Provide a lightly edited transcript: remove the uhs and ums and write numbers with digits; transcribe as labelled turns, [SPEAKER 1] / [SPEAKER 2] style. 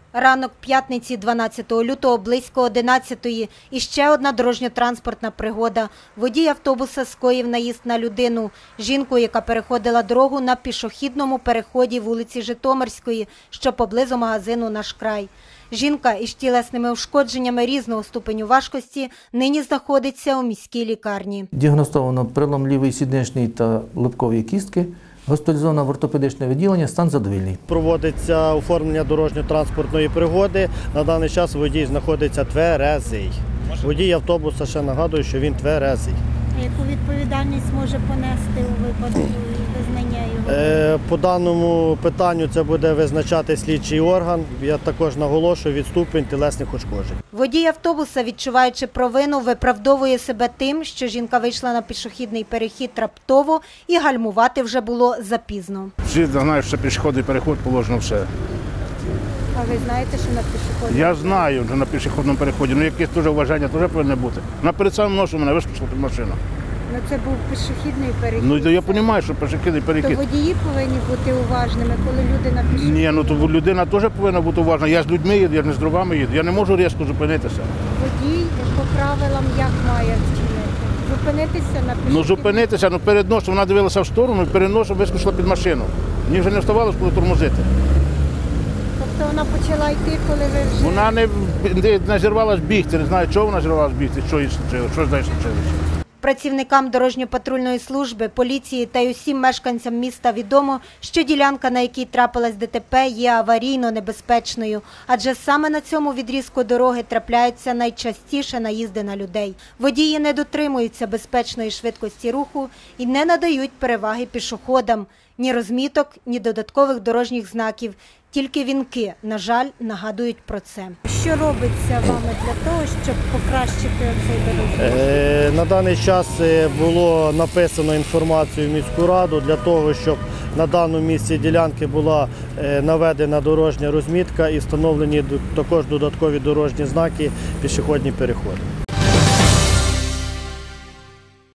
[SPEAKER 1] Ранок п'ятниці 12 лютого близько 11-ї і ще одна дорожньо-транспортна пригода. Водій автобуса скоїв наїзд на людину. Жінку, яка переходила дорогу на пішохідному переході вулиці Житомирської, що поблизу магазину «Наш край». Жінка із тілесними ушкодженнями різного ступеню важкості нині знаходиться у міській лікарні.
[SPEAKER 2] Діагностовано перелом лівої сідничної та лобкової кістки. Госпіталізовано в ортопедичне відділення, стан задовільний.
[SPEAKER 3] Проводиться оформлення дорожньо-транспортної пригоди. На даний час водій знаходиться тверезий. Водій автобуса, ще нагадую, що він тверезий.
[SPEAKER 1] Яку відповідальність може понести у випадку визнання його?
[SPEAKER 3] По даному питанню це буде визначати слідчий орган. Я також наголошую від ступень тілесних ушкоджень.
[SPEAKER 1] Водій автобуса, відчуваючи провину, виправдовує себе тим, що жінка вийшла на пішохідний перехід раптово і гальмувати вже було запізно.
[SPEAKER 4] Всі знають, що пішохідний переход положено все.
[SPEAKER 1] А ви знаєте, що на пішохідному?
[SPEAKER 4] Я знаю, що на пішохідному переході, але якесь теж вважання теж повинно бути. На перед самим носом мене вискочила під машину.
[SPEAKER 1] Ну це був пішохідний перехід.
[SPEAKER 4] Ну я розумію, що пішохідний перехід.
[SPEAKER 1] То водії повинні бути уважними, коли люди на пішохідному.
[SPEAKER 4] Ні, ну то людина теж повинна бути уважна. Я з людьми їду, я не з дровами їду. Я не можу різко зупинитися.
[SPEAKER 1] Водій по правилам як має вчинити? Зупинитися на пішохідному?
[SPEAKER 4] Ну зупинитися, ну перед носом вона дивилася в сторону і перед носом вискочила під машину. Мені вже не вставалося, коли тормозити.
[SPEAKER 1] Тобто вона почала йти, коли ви вже...
[SPEAKER 4] Вона не зірвалась бігти, не знаю, чого вона зірвалась бігти, що їй случилося, що з нею случилося.
[SPEAKER 1] Працівникам дорожньо-патрульної служби, поліції та й усім мешканцям міста відомо, що ділянка, на якій трапилась ДТП, є аварійно небезпечною, адже саме на цьому відрізку дороги трапляються найчастіше наїзди на людей. Водії не дотримуються безпечної швидкості руху і не надають переваги пішоходам. Ні розміток, ні додаткових дорожніх знаків. Тільки вінки, на жаль, нагадують про це. Що робиться вами для того, щоб покращити цей дорожній рух?
[SPEAKER 3] На даний час було написано інформацію в міську раду для того, щоб на даному місці ділянки була наведена дорожня розмітка і встановлені також додаткові дорожні знаки, пішохідні переходи.